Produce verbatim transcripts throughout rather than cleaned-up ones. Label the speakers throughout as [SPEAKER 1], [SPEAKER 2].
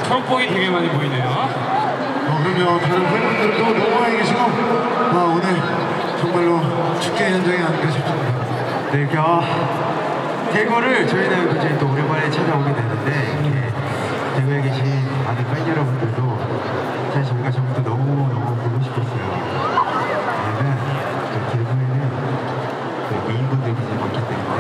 [SPEAKER 1] 초록복이 되게 많이 보이네요.
[SPEAKER 2] 어, 그럼요. 다른 팬분들도 너무 많이 계시고, 아, 오늘 정말로 축제 현장이 아닌가 싶습니다.
[SPEAKER 3] 네, 그, 아, 대구를 저희는 굉장히 또 오랜만에 찾아오게 되는데, 이렇게 대구에 계신 많은 팬 여러분들도 사실 저희가 전부터 너무너무 보고 싶었어요. 왜냐면 또 대구에는 그 미인분들이 굉장히 많기 때문에,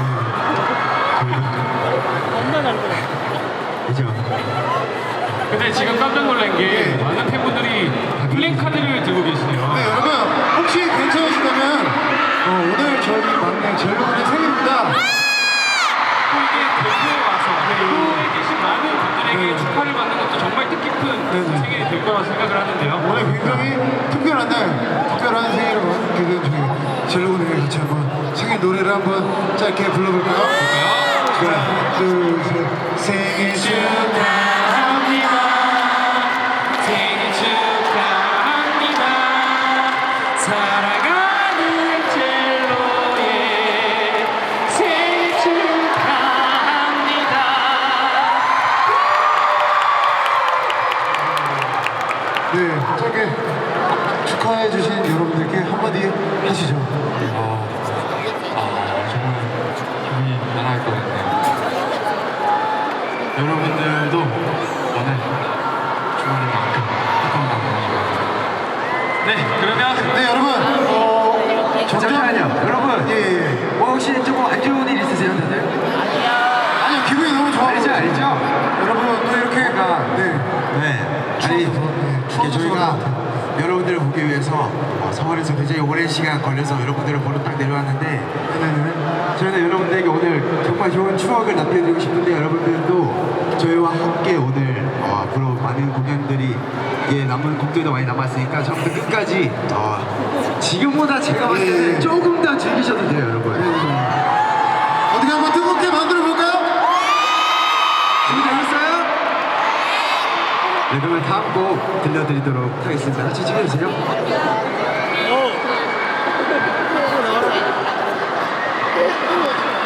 [SPEAKER 3] 저희도 그죠?
[SPEAKER 1] 근데 지금 깜짝 놀란 게
[SPEAKER 2] 네.
[SPEAKER 1] 많은 팬분들이 플랜카드를 들고 계시네요.
[SPEAKER 2] 네, 여러분, 혹시 괜찮으시다면, 어, 오늘 저희 막내 젤로군의 생일입니다.
[SPEAKER 1] 또 이게 대구에 와서 대구에 계신 많은 분들에게
[SPEAKER 2] 네.
[SPEAKER 1] 축하를 받는 것도 정말 뜻깊은
[SPEAKER 2] 네, 네.
[SPEAKER 1] 생일이 될 거라고 생각을 하는데요.
[SPEAKER 2] 오늘 굉장히 특별한 날, 특별한 생일을 맞게 된 저희 젤로군에게 같이 한번 생일 노래를 한번 짧게 불러볼까요?
[SPEAKER 1] 볼까요?
[SPEAKER 2] 하나, 둘, 셋. 생일 축하합니다.
[SPEAKER 1] 생일 축하합니다. 사랑하는 젤로의 생일 축하합니다.
[SPEAKER 2] 네, 짧게 축하해주신 여러분들께 한마디 하시죠.
[SPEAKER 3] 어, 아, 정말 기분이 날아갈 것 같네요. 여러분들도 오늘 주말만큼 행복한 밤 보내시고.
[SPEAKER 1] 네, 그러면
[SPEAKER 2] 네, 여러분, 어,
[SPEAKER 3] 잠시만요, 여러분.
[SPEAKER 2] 예, 예, 예.
[SPEAKER 3] 뭐 혹시 조금 안 좋은 일 있으세요, 다들?
[SPEAKER 2] 아니요, 기분이 너무 좋아.
[SPEAKER 3] 알죠, 알죠?
[SPEAKER 2] 여러분, 또 이렇게, 네.
[SPEAKER 3] 네. 아니, 이렇게 저희가 여러분들을 보기 위해서 어, 서울에서 굉장히 오랜 시간 걸려서 여러분들을 보러 딱 내려왔는데,
[SPEAKER 2] 네네네.
[SPEAKER 3] 저희는 여러분들에게 오늘 정말 좋은 추억을 남겨드리고 싶은데, 여러분들도 저희와 함께 오늘 어, 앞으로 많은 공연들이 예, 남은 곡들도 많이 남았으니까 처음부터 끝까지 어, 지금보다 제가 봤을 때는
[SPEAKER 2] 예.
[SPEAKER 3] 조금 더 즐기셔도 돼요, 여러분.
[SPEAKER 2] 어떻게 한번 뜨겁게 만들어 볼까요?
[SPEAKER 3] 준비되셨어요? 네, 그러면 다음 곡 들려드리도록 하겠습니다. 같이 찍어주세요.
[SPEAKER 4] 오! 나와라.